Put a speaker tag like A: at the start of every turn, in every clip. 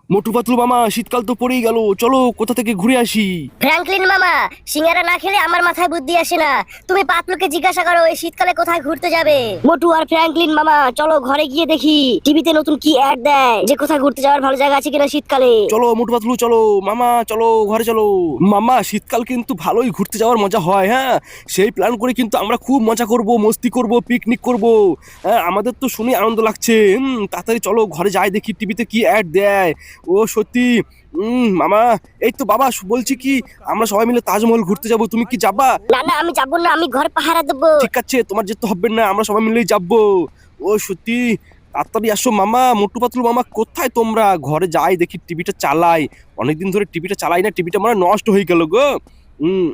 A: মোটু পাতলু মামা, শীতকাল তো পড়েই গেল, চলো কোথা থেকে ঘুরে আসি।
B: ফ্র্যাঙ্কলিন মামা, সিঙ্গারা না খেলে আমার মাথায় বুদ্ধি আসে না। তুমি পাতলুকে জিজ্ঞাসা করো এই শীতকালে কোথায় ঘুরতে যাবে। মোটু আর ফ্র্যাঙ্কলিন মামা, চলো ঘরে গিয়ে দেখি টিভিতে নতুন কি অ্যাড দেয় যে কোথায় ঘুরতে যাওয়ার ভালো জায়গা আছে কিনা শীতকালে।
A: চলো মোটু পাতলু, চলো মামা, চলো ঘরে চলো। মামা, শীতকাল কিন্তু ভালোই ঘুরতে যাওয়ার মজা হয়। হ্যাঁ, সেই প্ল্যান করে কিন্তু আমরা খুব মজা করব, মস্তি করব, পিকনিক করব। হ্যাঁ, আমাদের তো শুনে আনন্দ লাগছে। তাড়াতাড়ি চলো ঘরে যাই, দেখি টিভিতে কি অ্যাড দেয়। ও সত্যি। মামা, এই তো বাবা বলছি কি, আমরা সবাই মিলে তাজমহল ঘুরতে যাব, তুমি কি যাবা?
B: না না, আমি যাবো না, আমি ঘর পাহারা দেবো।
A: ঠিক আছে, তোমার যেতে হবে না, আমরা সবাই মিলেই যাবো। ও সত্যি, তাড়াতাড়ি আসো মামা। মোটু পাতলু মামা, কোথায় তোমরা? ঘরে যাই, দেখি টিভিটা চালাই। অনেকদিন ধরে টিভিটা চালাই না, টিভিটা মানে নষ্ট হয়ে গেল গো। হম।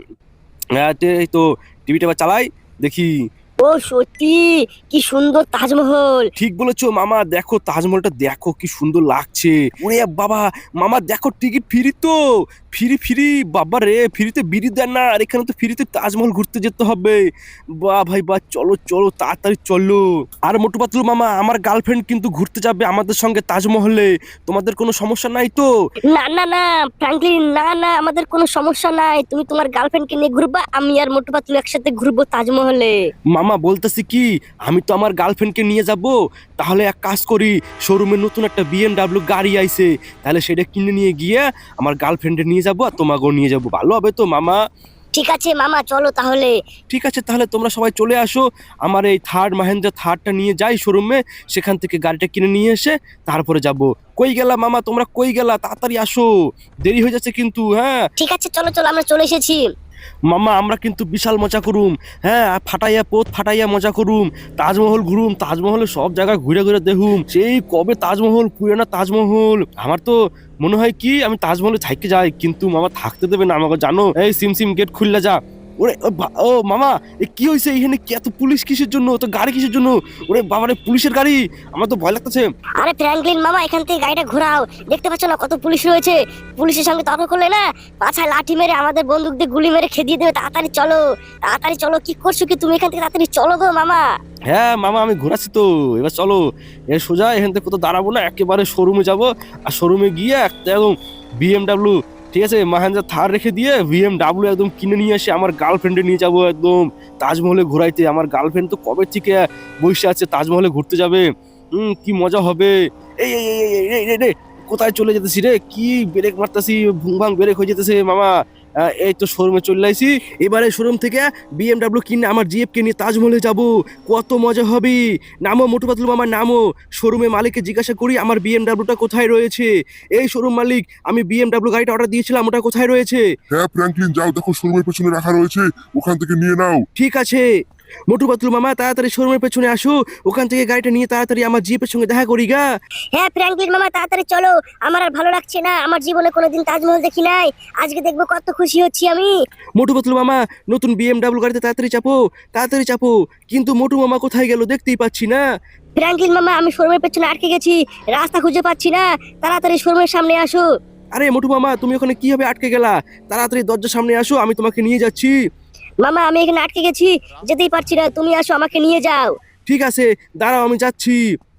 A: এই তো টিভিটা এবার চালাই, দেখি।
B: ও সত্যি, কি সুন্দর তাজমহল।
A: ঠিক বলেছো মামা, দেখো তাজমহলটা দেখো কি সুন্দর লাগছে। ওরে বাবা, মামা দেখো টিকিট ফ্রি তো। ফ্রি ফ্রি, বাবা রে, ফ্রিতে বিড়ি দেন না, আর এখানে তো ফ্রিতে তাজমহল ঘুরতে যেতে হবে। বাহ ভাই বাহ, চলো চলো তাড়াতাড়ি চলো। আর মোটু পাতলু মামা, আমার গার্লফ্রেন্ড কিন্তু ঘুরতে যাবে আমাদের সঙ্গে তাজমহলে। তোমাদের কোনো সমস্যা নাই তো?
B: না না না ফ্র্যাঙ্কলিন, না না, আমাদের কোনো সমস্যা নাই। তুমি তোমার গার্লফ্রেন্ডকে নিয়ে ঘুরবা, আমি আর মোটু পাতলু একসাথে ঘুরবো তাজমহলে।
A: মামা বলতেছি কি, আমি তো আমার গার্লফ্রেন্ডকে নিয়ে যাব। তাহলে এক কাজ করি, শোরুমে নতুন একটা বিএমডাব্লিউ গাড়ি আইছে, তাহলে সেটা কিনে নিয়ে গিয়ে আমার গার্লফ্রেন্ডে নিয়ে যাব আর তোমাকেও নিয়ে যাব, ভালো হবে তো মামা?
B: ঠিক আছে মামা, চলো তাহলে।
A: ঠিক আছে, তাহলে তোমরা সবাই চলে আসো। আমার এই মাহেন্দ্রা থারটা নিয়ে যাই শোরুমে, সেখান থেকে গাড়িটা কিনে নিয়ে এসে তারপরে যাব। কই গেলা মামা, তোমরা কই গেলা? তাড়াতাড়ি আসো, দেরি হয়ে যাচ্ছে কিন্তু। হ্যাঁ
B: ঠিক আছে, চলো চলো, আমরা চলে এসেছি।
A: মামা, আমরা কিন্তু বিশাল মজা করুম। হ্যাঁ, আর ফাটাইয়া পোত ফাটাইয়া মজা করুম। তাজমহল ঘুরুম, তাজমহলে সব জায়গা ঘুরে ঘুরে দেখুম। সেই কবে তাজমহল, পুরানা তাজমহল। আমার তো মনে হয় কি আমি তাজমহলে থাকতে যাই, কিন্তু মামা থাকতে দেবে না আমাকে, জানো। এই সিম সিম, গেট খুললে যা। ওরে ও মামা, এ কি হয়েছে এখানে? এত পুলিশ কিসের জন্য? তো গাড়ি কিসের জন্য? ওরে বাবারে, পুলিশের গাড়ি! আমার তো ভয় লাগতেছে।
B: আরে ফ্র্যাঙ্কলিন মামা, এখান থেকে গাড়িটা ঘোরাও। দেখতে পাচ্ছ না কত পুলিশ রয়েছে? পুলিশের সঙ্গে তর্ক করলে না, পাছায় লাঠি মেরে আমাদের বন্দুক দিয়ে গুলি মেরে খেদিয়ে দেবে। তাড়াতাড়ি চলো, তাড়াতাড়ি চলো। কি করছো কি তুমি? এখান থেকে তাড়াতাড়ি চলো গো মামা।
A: হ্যাঁ মামা, আমি ঘোরাচ্ছি তো, এবার চলো। এর সোজা এখান থেকে কোথাও দাঁড়াবো না, একেবারে শোরুমে যাব। আর শোরুমে গিয়ে একটা একদম বিএমডাব্লিউ, ঠিক আছে, মাহেন্দ্রা থার রেখে দিয়ে বিএমডাব্লিউ একদম কিনে নিয়ে এসে আমার গার্লফ্রেন্ডে নিয়ে যাব একদম তাজমহলে ঘোরাইতে। আমার গার্লফ্রেন্ড তো কবে থেকে বসে আছে তাজমহলে ঘুরতে যাবে। কি মজা হবে। এই এই এই এই এই, এই, এই, কোথায় চলে যেতেছি রে? কি ব্রেক মারতাছি, ভুং ভাং ব্রেক হয়ে যেতেছে মামা। এই তো শোরুমে চলে আইছি। এবারে শোরুম থেকে বিএমডাব্লিউ কিনে আমার জিএফকে নিয়ে তাজমহলে যাব। কত মজা হবে। নামো মোটু পাতলু মামা, নামো। শোরুমে মালিককে জিজ্ঞাসা করি আমার বিএমডাব্লিউটা কোথায় রয়েছে। এই শোরুম মালিক, আমি বিএমডাব্লিউ গাড়িটা অর্ডার দিয়েছিলাম, ওটা কোথায় রয়েছে?
C: হ্যাঁ ফ্র্যাঙ্কলিন, যাও দেখো শোরুমের পেছনে রাখা রয়েছে, ওখান থেকে নিয়ে নাও।
A: ঠিক আছে মোটু পাতলু মামা, তাড়াতাড়ি শোরুমের পেছনে আসো, ওখান থেকে গাড়িটা নিয়ে তাড়াতাড়ি আমার জিএফের সঙ্গে দেখা করি গা।
B: হ্যাঁ ফ্র্যাঙ্কলিন মামা, তাড়াতাড়ি চলো। আমার আর ভালো লাগছে না, আমার জীবনে কোনোদিন তাজমহল দেখি নাই। আজকে দেখবো, কত খুশি হচ্ছি আমি।
A: মোটু পাতলু মামা, নতুন বিএমডাব্লিউ গাড়িতে তাড়াতাড়ি চাপো, তাড়াতাড়ি চাপো। কিন্তু মোটু মামা কোথায় গেল, দেখতেই পাচ্ছি না।
B: ফ্র্যাঙ্কলিন মামা, আমি শোরুমের পেছনে আটকে গেছি, রাস্তা খুঁজে পাচ্ছি না। তাড়াতাড়ি শোরুমের সামনে আসো।
A: আরে মোটু মামা, তুমি ওখানে কিভাবে আটকে গেলা? তাড়াতাড়ি দরজার সামনে আসো, আমি তোমাকে নিয়ে যাচ্ছি।
B: মামা, আমি এখানে আটকে গেছি, যেতেই পারছি না। তুমি আসো, আমাকে নিয়ে যাও।
A: ঠিক আছে, দাঁড়াও, আমি যাচ্ছি।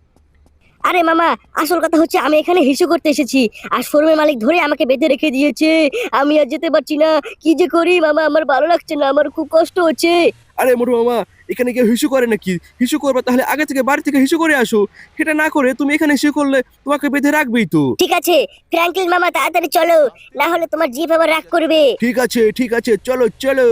B: আরে মামা, আসল কথা হচ্ছে আমি এখানে হিসু করতে এসেছি, আর শোরুমের মালিক ধরে আমাকে বেঁধে রেখে দিয়েছে। আমি আর যেতে পারছি না। কি যে করি মামা, আমার ভালো লাগছে না, আমার খুব কষ্ট হচ্ছে।
A: আরে মোটু মামা, এখানে কেউ হিসু করে নাকি? হিসু করবে তাহলে আগে থেকে বাড়ি থেকে হিসু করে আসো। সেটা না করে তুমি এখানে হিসু করলে তোমাকে বেঁধে রাখবেই তো।
B: ঠিক আছে ফ্র্যাঙ্কলিন মামা, তাড়াতাড়ি চলো, না হলে তোমার জিভ আবার রাগ করবে।
A: ঠিক আছে ঠিক আছে, চলো চলো।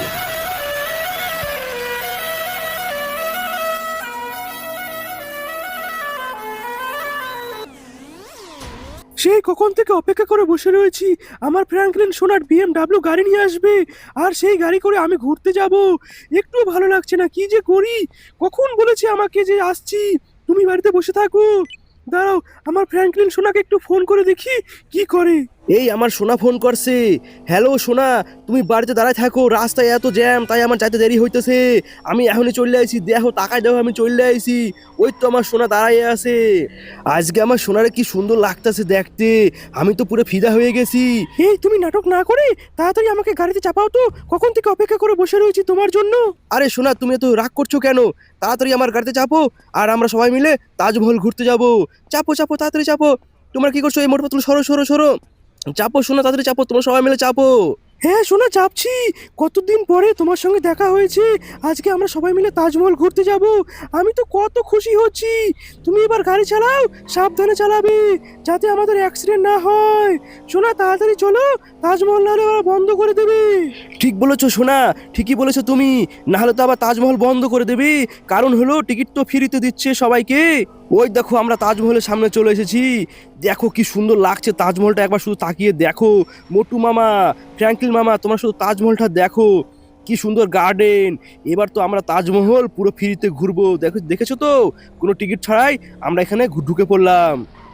A: সেই কখন থেকে অপেক্ষা করে বসে রয়েছি, আমার ফ্র্যাঙ্কলিন সোনার বিএমডাব্লিউ গাড়ি নিয়ে আসবে, আর সেই গাড়ি করে আমি ঘুরতে যাব। একটু ভালো লাগছে না, কি যে করি। কখন বলেছে আমাকে যে আসছি, তুমি বাড়িতে বসে থাকো। দাঁড়াও, আমার ফ্র্যাঙ্কলিন সোনাকে একটু ফোন করে দেখি কি করে। এই আমার সোনা ফোন করছে। হ্যালো সোনা, তুমি বাড়িতে দাঁড়ায় থাকো, রাস্তায় এত জ্যাম, তাই আমার যাইতে দেরি হইতেছে। আমি এখনই চলে আইছি, দেখো তাকায় দেখো, আমি চলে আইছি। ওই তো আমার সোনা দাঁড়ায় আছে। আজকে আমার সোনারে কি সুন্দর লাগতেছে দেখতে, আমি তো পুরো ফিদা হয়ে গেছি। এই তুমি নাটক না করে তাড়াতাড়ি আমাকে গাড়িতে চাপাও তো, কখন থেকে অপেক্ষা করে বসে রয়েছি তোমার জন্য। আরে সোনা, তুমি তো রাগ করছো কেন? তাড়াতাড়ি আমার গাড়িতে চাপো, আর আমরা সবাই মিলে তাজমহল ঘুরতে যাব। চাপো চাপো, তাড়াতাড়ি চাপো। তোমরা কি করছো? এই মোটু পাতলু সরো সরো সরো, চাপো শোনা, তাড়াতাড়ি চাপো, তোমরা সবাই মিলে চাপো। হ্যাঁ শোনা, চাপছি। কতদিন পরে তোমার সঙ্গে দেখা হয়েছে, আজকে আমরা সবাই মিলে তাজমহল ঘুরতে যাব। আমি তো কত খুশি হচ্ছি। তুমি এবার গাড়ি চালাও, সাবধানে চালাবে, যাতে আমাদের অ্যাক্সিডেন্ট না হয়। শোনা তাড়াতাড়ি চলো, তাজমহল নাহলে ওরা বন্ধ করে দেবে। ঠিক বলেছো সোনা, ঠিকই বলেছো তুমি, না হলে তো আবার তাজমহল বন্ধ করে দেবে। কারণ হলো টিকিট তো ফ্রিতে দিচ্ছে সবাইকে। ওই দেখো আমরা তাজমহলের সামনে চলে এসেছি। দেখো কি সুন্দর লাগছে তাজমহলটা, একবার শুধু তাকিয়ে দেখো। মোটু মামা, ফ্র্যাঙ্কলিন মামা, তোমরা শুধু তাজমহলটা দেখো, কি সুন্দর গার্ডেন। এবার তো আমরা তাজমহল পুরো ফ্রিতে ঘুরবো। দেখো, দেখেছো তো, কোনো টিকিট ছাড়াই আমরা এখানে ঢুকে পড়লাম।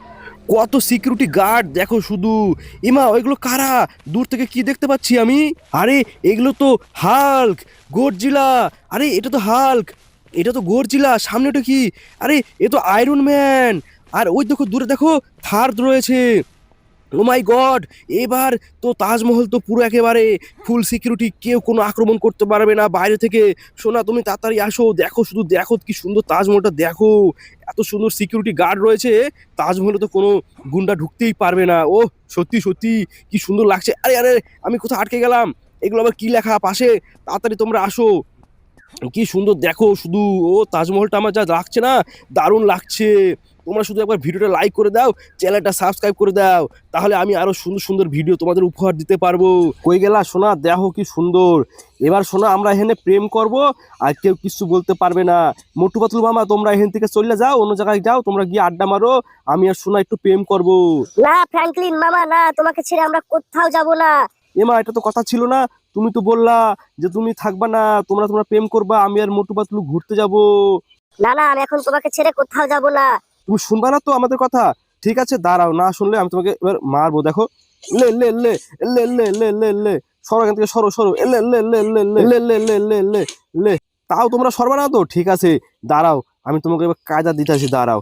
A: কত সিকিউরিটি গার্ড দেখো শুধু। ইমা ওইগুলো কারা? দূর থেকে কি দেখতে পাচ্ছি আমি? আরে এগুলো তো হাল্ক, গডজিলা। আরে এটা তো হাল্ক, এটা তো গডজিলা। সামনে ওটা কি? আরে এ তো আয়রন ম্যান। আর ওই দেখো দূরে দেখো থার রয়েছে। ও মাই গড, এবার তো তাজমহল তো পুরো একেবারে ফুল সিকিউরিটি, কেউ কোনো আক্রমণ করতে পারবে না বাইরে থেকে। সোনা তুমি তাড়াতাড়ি আসো, দেখো শুধু দেখো কি সুন্দর তাজমহলটা দেখো। এত সুন্দর সিকিউরিটি গার্ড রয়েছে, তাজমহলে তো কোনো গুন্ডা ঢুকতেই পারবে না। ও সত্যি সত্যি কি সুন্দর লাগছে। আরে আরে আমি কোথাও আটকে গেলাম, এগুলো আবার কি লেখা পাশে? তাড়াতাড়ি তোমরা আসো, কি সুন্দর দেখো শুধু। ও তাজমহলটা আমার যা লাগছে না, দারুণ লাগছে। তোমরা শুধু একবার ভিডিওটা লাইক করে দাও, চ্যানেলটা সাবস্ক্রাইব করে দাও, তাহলে আমি আরো সুন্দর সুন্দর ভিডিও তোমাদের উপহার দিতে পারবো। কই গেলা সোনা? দেখো কি সুন্দর। এবার সোনা আমরা এখানে প্রেম করব, আর কেউ কিছু বলতে পারবে না। মোটু পাতলু মামা তোমরা এখান থেকে চলে যাও, অন্য জায়গায় যাও, তোমরা গিয়ে আড্ডা মারো, আমি আর সোনা একটু প্রেম করব।
B: না ফ্র্যাঙ্কলিন মামা, না, তোমাকে ছেড়ে আমরা কোথাও যাব না।
A: এমা এটা তো কথা ছিল না, তুমি তো বললা যে তুমি থাকবা না, তোমরা তোমরা প্রেম করবা, আমি আর মোটু পাতলু ঘুরতে যাব।
B: না না, আমি এখন তোমাকে ছেড়ে কোথাও যাব না।
A: তুমি শুনবা না তো আমাদের কথা? ঠিক আছে দাঁড়াও, না শুনলে আমি তোমাকে এবার মারবো। দেখো, লে লে লে লে লে লে লে লে, সরো এখান থেকে, সরো সরো, লে লে লে লে লে লে লে লে লে লে। তাও তোমরা সরবা না তো? ঠিক আছে দাঁড়াও, আমি তোমাকে এবার কায়দা দিতেছি, দাঁড়াও।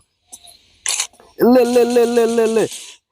A: লে লে লে লে লে লে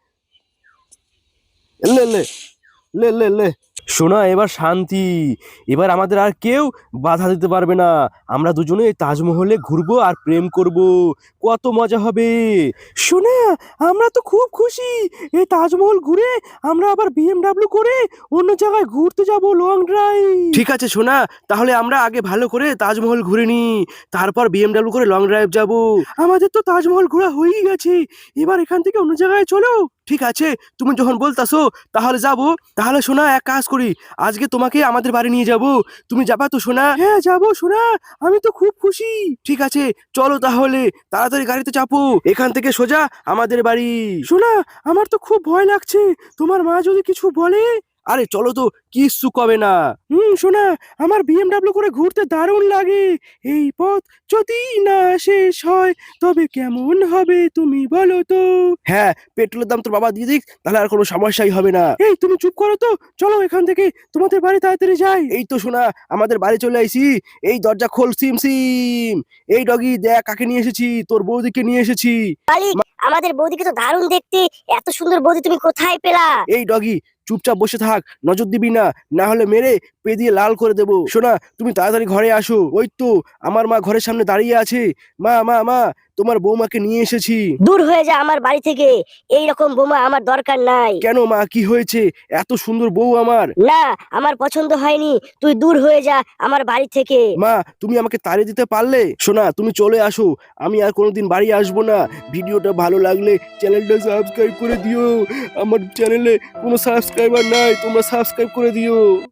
A: লে লে লে লে লে। শোনা এবার শান্তি, এবার আমাদের আর কেউ বাধা দিতে পারবে না। আমরা দুজনে এই তাজমহলে ঘুরবো আর প্রেম করব, কত মজা হবে। শোনা আমরা তো খুব খুশি, এই তাজমহল ঘুরে আমরা আবার বিএমডাব্লিউ করে অন্য জায়গায় ঘুরতে যাব, লং ড্রাইভ। ঠিক আছে শোনা, তাহলে আমরা আগে ভালো করে তাজমহল ঘুরে নি, তারপর বিএমডাব্লিউ করে লং ড্রাইভ যাব। আমাদের তো তাজমহল ঘোরা হয়েই গেছে, এবার এখান থেকে অন্য জায়গায় চলো। ঠিক আছে, তুমি যখন বলতাছো তাহলে যাব। তাহলে শোনা এক কাজ করি, আজকে তোমাকে আমাদের বাড়ি নিয়ে যাব, তুমি যাবা তো শোনা? হ্যাঁ যাবো শোনা, আমি তো খুব খুশি। ঠিক আছে চলো তাহলে, তাড়াতাড়ি গাড়িতে চাপো, এখান থেকে সোজা আমাদের বাড়ি। শোনা আমার তো খুব ভয় লাগছে, তোমার মা যদি কিছু বলে? আরে চলো তো, কিচ্ছু কবে না। শোনা আমার বিএমডাব্লিউ করে ঘুরতে দারুণ লাগে। এই পথ যদি না শেষ হয় তবে কেমন হবে তুমি বলো তো? হ্যাঁ, পেট্রোলের দাম তোর বাবা দিয়ে দিক, তাহলে আর কোনো সমস্যাই হবে না। এই তুমি চুপ করো তো, চলো এখান থেকে তোমাদের বাড়ি তাড়াতাড়ি যাই। এই তো শোনা আমাদের বাড়ি চলে আইছি, এই দরজা খোল সিম সিম। এই ডগি দেখ কাকে নিয়ে এসেছি, তোর বৌদিকে নিয়ে এসেছি।
B: মালিক, আমাদের বৌদিকে তো দারুণ দেখতে, এত সুন্দর বৌদি তুমি কোথায় পেলা?
A: এই ডগি চুপচাপ বসে থাক, নজর দিবি না, না হলে মেরে পে দিয়ে লাল করে দেবো। শোনা তুমি তাড়াতাড়ি ঘরে আসো, ওই তো আমার মা ঘরের সামনে দাঁড়িয়ে আছে। মা মা মা, তোমার বৌমাকে নিয়ে এসেছি।
B: দূর হয়ে যা আমার বাড়ি থেকে, এই রকম বোমা আমার দরকার নাই।
A: কেন মা, কি হয়েছে? এত সুন্দর বউ আমার।
B: না, আমার পছন্দ হয়নি, তুই দূর হয়ে যা আমার বাড়ি থেকে।
A: মা তুমি আমাকে তাড়িয়ে দিতে পারলে? শোনা তুমি চলে আসো, আমি আর কোনোদিন বাড়ি আসবো না। ভিডিওটা ভালো লাগলে চ্যানেলটা সাবস্ক্রাইব করে দিও, আমার চ্যানেলে কোনো সাবস্ক্রাইবার নাই, তোমরা সাবস্ক্রাইব করে দিও।